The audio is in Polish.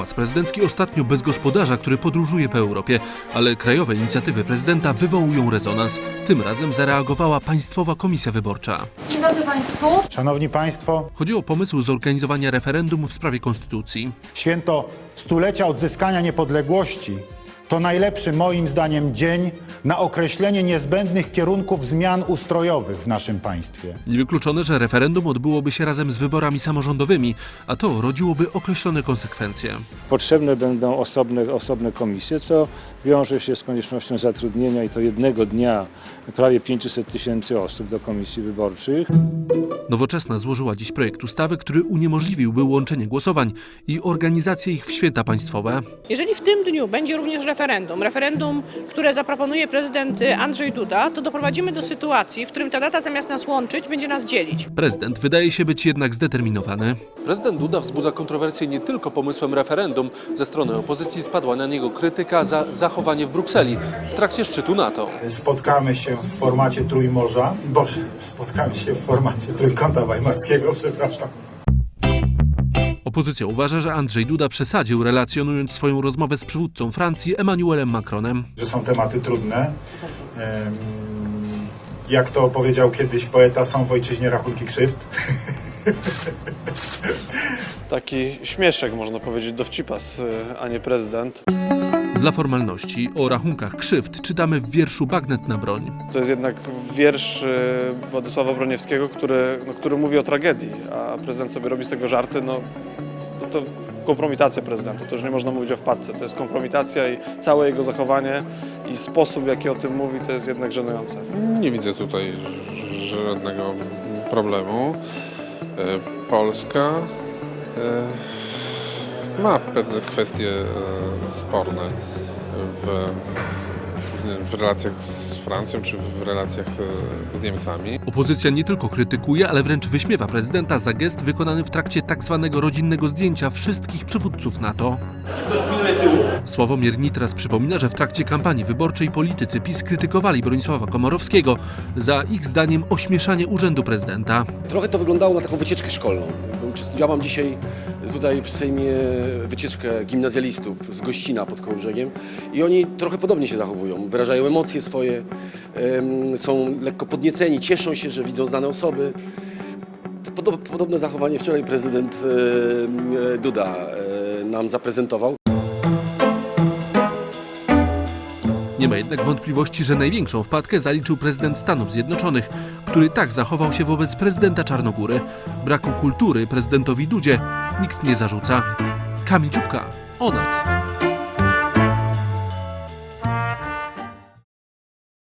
Pałac Prezydencki ostatnio bez gospodarza, który podróżuje po Europie, ale krajowe inicjatywy prezydenta wywołują rezonans. Tym razem zareagowała Państwowa Komisja Wyborcza. Dzień dobry Państwu. Szanowni Państwo, Chodzi o pomysł zorganizowania referendum w sprawie konstytucji. święto stulecia odzyskania niepodległości to najlepszy moim zdaniem dzień na określenie niezbędnych kierunków zmian ustrojowych w naszym państwie. Niewykluczone, że referendum odbyłoby się razem z wyborami samorządowymi, a to rodziłoby określone konsekwencje. Potrzebne będą osobne komisje, co wiąże się z koniecznością zatrudnienia i to jednego dnia prawie 500 000 osób do komisji wyborczych. Nowoczesna złożyła dziś projekt ustawy, który uniemożliwiłby łączenie głosowań i organizację ich w święta państwowe. Jeżeli w tym dniu będzie również referendum, które zaproponuje prezydent Andrzej Duda, to doprowadzimy do sytuacji, w którym ta data zamiast nas łączyć, będzie nas dzielić. Prezydent wydaje się być jednak zdeterminowany. Prezydent Duda wzbudza kontrowersje nie tylko pomysłem referendum. Ze strony opozycji spadła na niego krytyka za zachowanie w Brukseli w trakcie szczytu NATO. Spotkamy się w formacie Trójmorza, spotkamy się w formacie Trójkąta Weimarskiego, przepraszam. Opozycja uważa, że Andrzej Duda przesadził, relacjonując swoją rozmowę z przywódcą Francji Emmanuelem Macronem. Że są tematy trudne. Jak to powiedział kiedyś poeta, są w ojczyźnie rachunki krzywd. Taki śmieszek, można powiedzieć, dowcipas, a nie prezydent. Dla formalności o rachunkach krzywd czytamy w wierszu Bagnet na broń. To jest jednak wiersz Władysława Broniewskiego, który mówi o tragedii, a prezydent sobie robi z tego żarty. To kompromitacja prezydenta, to już nie można mówić o wpadce. To jest kompromitacja i całe jego zachowanie i sposób, w jaki o tym mówi, to jest jednak żenujące. Nie widzę tutaj żadnego problemu. Polska ma pewne kwestie sporne w relacjach z Francją czy w relacjach z Niemcami. Opozycja nie tylko krytykuje, ale wręcz wyśmiewa prezydenta za gest wykonany w trakcie tzw. rodzinnego zdjęcia wszystkich przywódców NATO. Sławomir Nitras przypomina, że w trakcie kampanii wyborczej politycy PiS krytykowali Bronisława Komorowskiego za ich zdaniem ośmieszanie urzędu prezydenta. Trochę to wyglądało na taką wycieczkę szkolną. Ja mam dzisiaj tutaj w Sejmie wycieczkę gimnazjalistów z Gościna pod Kołobrzegiem i oni trochę podobnie się zachowują. Wyrażają emocje swoje, są lekko podnieceni, cieszą się, że widzą znane osoby. Podobne zachowanie wczoraj prezydent Duda nam zaprezentował. Nie ma jednak wątpliwości, że największą wpadkę zaliczył prezydent Stanów Zjednoczonych, który tak zachował się wobec prezydenta Czarnogóry. Braku kultury prezydentowi Dudzie nikt nie zarzuca. Kamil Dziubka, Onet.